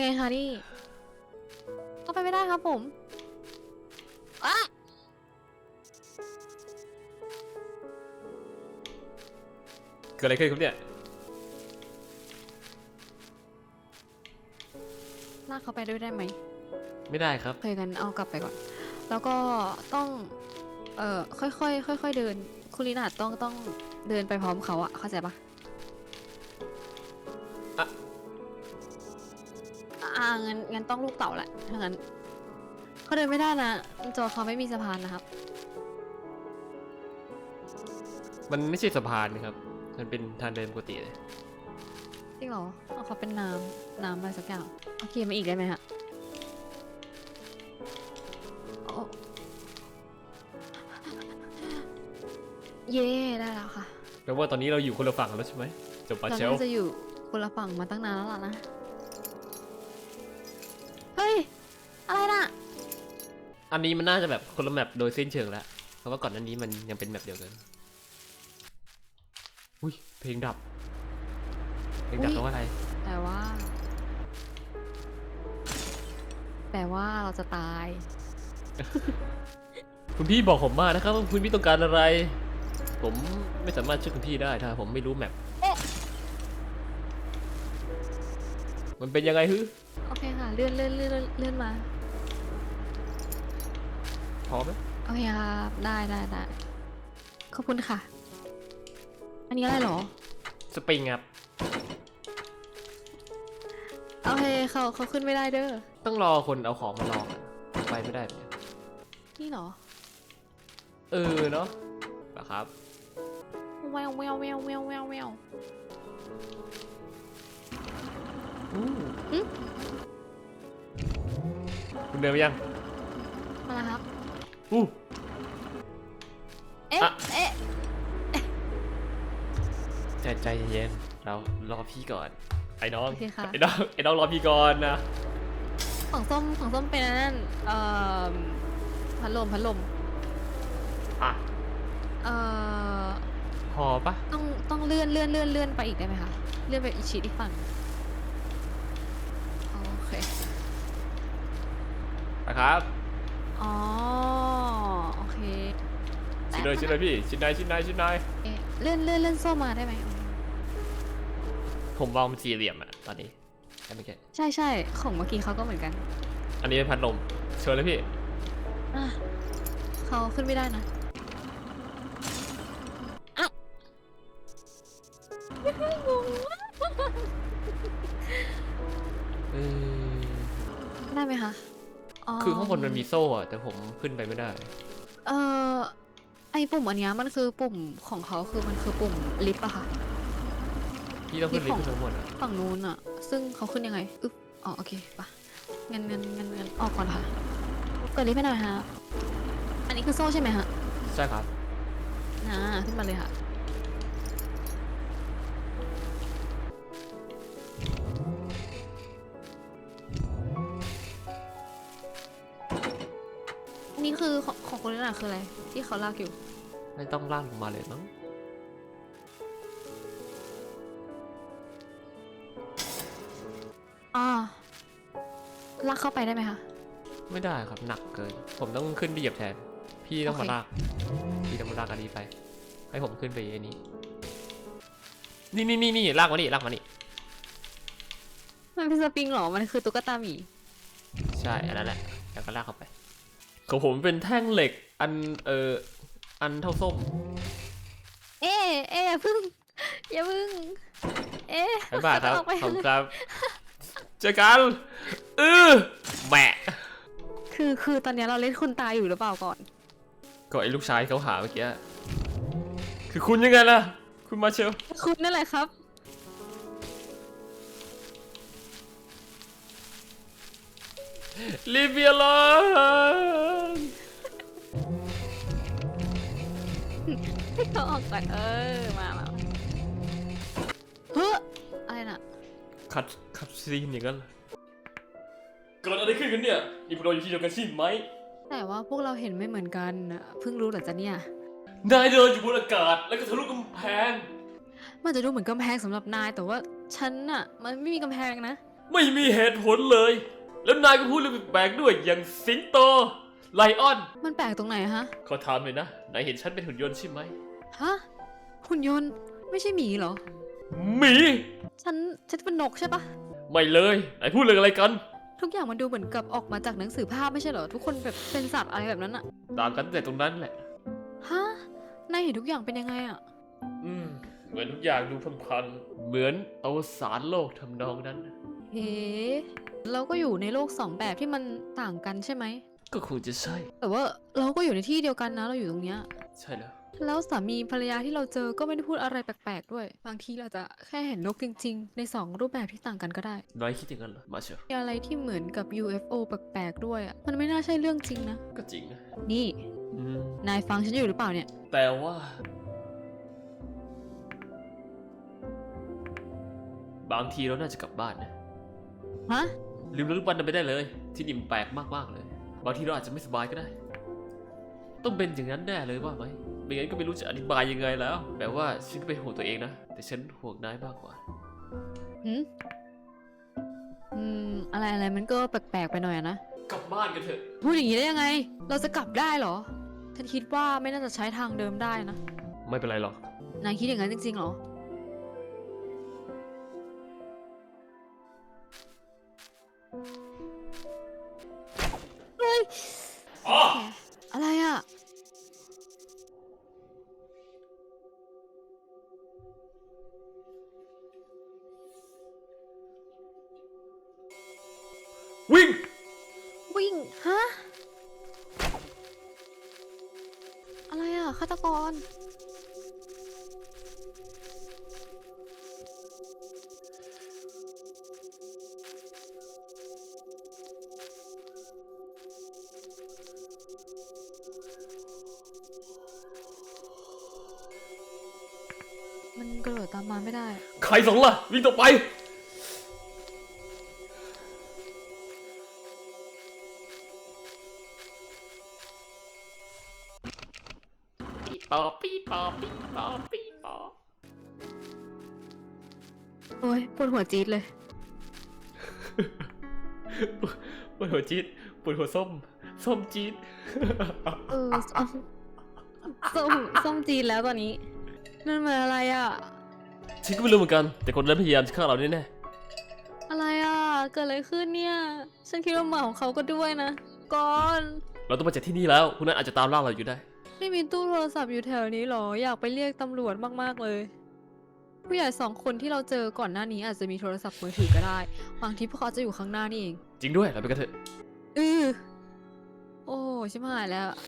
ไงคะนี่เข้าไปไม่ได้ครับผมอะเกิดอะไรขึ้นครับเนี่ยลากเขาไปด้วยได้ไหมไม่ได้ครับเคยกันเอากลับไปก่อนแล้วก็ต้องค่อยๆค่อยๆเดินคุณลีน่าต้องเดินไปพร้อมเขาอะเข้าใจปะงั้นต้องลูกเต่าแหละถ้างั้นเขาเดินไม่ได้นะจอเขาไม่มีสะพานนะครับมันไม่ใช่สะพานครับมันเป็นทางเดินปกติเลยจริงเหรอเอาเขาเป็นน้ำอะไรสักอย่างโอเคมาอีกได้ไหมฮะโอ้เย่ได้แล้วค่ะแปลว่าตอนนี้เราอยู่คนละฝั่งแล้วใช่ไหมจบปาเราเชลน่าจะอยู่คนละฝั่งมาตั้งนานแล้วล่ะนะเฮ้ยอะไรน่ะอันนี้มันน่าจะแบบคนละแมปโดยสิ้นเชิงแล้วเพราะว่าก่อนหน้านี้มันยังเป็นแมปเดียวกันอุ้ยเพลงดับแปลว่าอะไรแต่ว่าเราจะตายคุณพี่บอกผมมานะครับว่าคุณพี่ต้องการอะไร ผมไม่สามารถช่วยคุณพี่ได้ถ้าผมไม่รู้แมปมันเป็นยังไงฮึโอเคค่ะเลื่อนมาพอไหมโอเคครับได้ขอบคุณค่ะ อันนี้อะไรหรอสปริงครับโอเคเขาขึ้นไม่ได้เด้อต้องรอคนเอาของมาลองไปไม่ได้เนี่ยนี่หรอเนาะนะครับแววคุณเดินไปยังมาแล้วครับอู้เอ๊ะอะเอ๊ะใจเย็นเรารอพี่ก่อนไอ้น้องโอเคค่ะไอ้น้องรอพี่ก่อนนะของส้มเป็นอันนั่นพัดลมอ่ะเอ่อพอปะต้องเลื่อนไปอีกได้ไหมคะ เลื่อนไปอีกชีดอีกฝั่งโอเคนะครับอ๋อ โอเคชิ้นเลยพี่ชิ้นไหนเอ๊ะเลื่อนส้มมาได้ไหมผมวางเป็นสี่เหลี่ยมอะตอนนี้ใช่ไหมแกใช่ของเมื่อกี้เขาก็เหมือนกันอันนี้เป็นพัดลมเชิญเลยพี่อ่ะเขาขึ้นไม่ได้นะอ่ะงงมากเออได้ไหมคะคือข้างบนมันมีโซ่อะแต่ผมขึ้นไปไม่ได้เอ่อไอปุ่มอันเนี้ยมันคือปุ่มของเขาคือมันคือปุ่มลิฟต์อะค่ะพี่ต้องขึ้นลิฟต์ขึ้นทั้งหมดอะฝั่งนู้นอะซึ่งเขาขึ้นยังไงอึ๊บอ๋อโอเคปะงั้นออกก่อนค่ะเปิดลิฟต์ให้หน่อยฮะอันนี้คือโซ่ใช่ไหมฮะใช่ครับขึ้นมาเลยค่ะอันนี้คือของคนนั้นอะคืออะไรที่เขาลากอยู่ไม่ต้องลากลงมาเลยมั้งอ่าลากเข้าไปได้ไหมคะไม่ได้ครับหนักเกินผมต้องขึ้นไปเหยียบแทนพี่ต้องมาโอเคลากพี่ต้องมาลากอันนี้ไปให้ผมขึ้นไปไอ้นี้นี่ลากมานี่มันเป็นสปริงเหรอมันคือตุ๊กตาหมีใช่อันนั้นแหละแล้วก็ลากเข้าไปของผมเป็นแท่งเหล็กอันอันเท่าส้มเอ๊ะอย่าพึ่งเอ๊ะบ๊ายบายครับออกไปขอบคุณครับเจอกันแหมะคือตอนนี้เราเล่นคุณตายอยู่หรือเปล่าก่อนก็ไอ้ลูกชายเขาหาเมื่อกี้คือคุณยังไงล่ะคุณมาเชลคุณนั่นแหละครับลีเบียลอนให้เขาออกก่อนมาเฮ้ออะไรน่ะคัดซีนอย่างนั้นเกิดอะไรขึ้นกันเนี่ยนี่พวกเราอยู่ที่เดียวกันใช่ไหมแต่ว่าพวกเราเห็นไม่เหมือนกันน่ะเพิ่งรู้เหรอจ๊ะเนี่ยนายเดินอยู่บนอากาศแล้วก็ทะลุกำแพงมันจะดูเหมือนกำแพงสำหรับนายแต่ว่าฉันน่ะมันไม่มีกำแพงนะไม่มีเหตุผลเลย แล้วนายก็พูดเรื่องแปลกๆด้วยอย่างสิงโต ไลออนมันแปลกตรงไหนฮะขอถามหน่อยนะ นายเห็นฉันเป็นหุ่นยนต์ใช่ไหมฮะ หุ่นยนต์ไม่ใช่หมีเหรอหมีฉันเป็นนกใช่ปะไม่เลย นายพูดเรื่องอะไรกันทุกอย่างมันดูเหมือนกับออกมาจากหนังสือภาพไม่ใช่เหรอ ทุกคนแบบเป็นสัตว์อะไรแบบนั้นอะต่างกันแต่ตรงนั้นแหละฮะ นายเห็นทุกอย่างเป็นยังไงอะเหมือนทุกอย่างดูพันๆเหมือนอวสานโลกทำนองนั้นเฮ้เราก็อยู่ในโลกสองแบบที่มันต่างกันใช่ไหมก็คงจะใช่แต่ว่าเราก็อยู่ในที่เดียวกันนะ เราอยู่ตรงเนี้ยใช่แล้วแล้วสามีภรรยาที่เราเจอก็ไม่ได้พูดอะไรแปลกๆด้วย บางทีเราจะแค่เห็นนกจริงๆ ในสองรูปแบบที่ต่างกันก็ได้นายคิดอย่างนั้นเหรอ มาเชียวมีอะไรที่เหมือนกับ UFO แปลกๆด้วยอะมันไม่น่าใช่เรื่องจริงนะก็จริงนะนี่อืมนายฟังฉันอยู่หรือเปล่าเนี่ยแต่ว่า บางทีเราน่าจะกลับบ้านนะฮะลืมเรื่องวันนั้นไปได้เลย ที่นี่มันแปลกมากๆเลย บางทีเราอาจจะไม่สบายก็ได้ ต้องเป็นอย่างนั้นแน่เลยว่าไหมไม่งั้นก็ไม่รู้จะอธิบายยังไงแล้วแต่ว่าฉันก็เป็นห่วงตัวเองนะ แต่ฉันห่วงนายมากกว่าหืมอะไรมันก็แปลกๆไปหน่อยอะนะกลับบ้านกันเถอะพูดอย่างนี้ได้ยังไง เราจะกลับได้เหรอ ฉันคิดว่าไม่น่าจะใช้ทางเดิมได้นะไม่เป็นไรหรอกนายคิดอย่างนั้นจริงๆเหรอ เฮ้ยอ๋ออะไรอ่ะวิ่งวิ่ง ฮะ อะไรอ่ะฆาตกร มันกระโดดตามมาไม่ได้ใครสองล่ะ วิ่งต่อไป ปีปอปีปอปีปอปีปอโอ้ยปวดหัวจี๊ดเลยปวดหัวจี๊ดปวดหัวส้ม ส้มจี๊ดเออส้มส้มจีนแล้วตอนนี้ นั่นมันอะไรอ่ะฉันก็ไม่รู้เหมือนกัน แต่คนนั้นพยายามจะฆ่าเราแน่อะไรอ่ะ เกิดอะไรขึ้นเนี่ย ฉันคิดว่าหมาของเขาก็ด้วยนะก่อนๆเราต้องมาจากที่นี่แล้วคุณนั้นอาจจะตามล่าเราอยู่ได้ไม่มีตู้โทรศัพท์อยู่แถวนี้หรอ อยากไปเรียกตำรวจมากๆเลย ผู้ใหญ่สองคนที่เราเจอก่อนหน้านี้อาจจะมีโทรศัพท์มือถือก็ได้ บางทีพวกเขาจะอยู่ข้างหน้านี่เองจริงด้วย เราไปกันเถอะโอ้ชิบหายแล้ว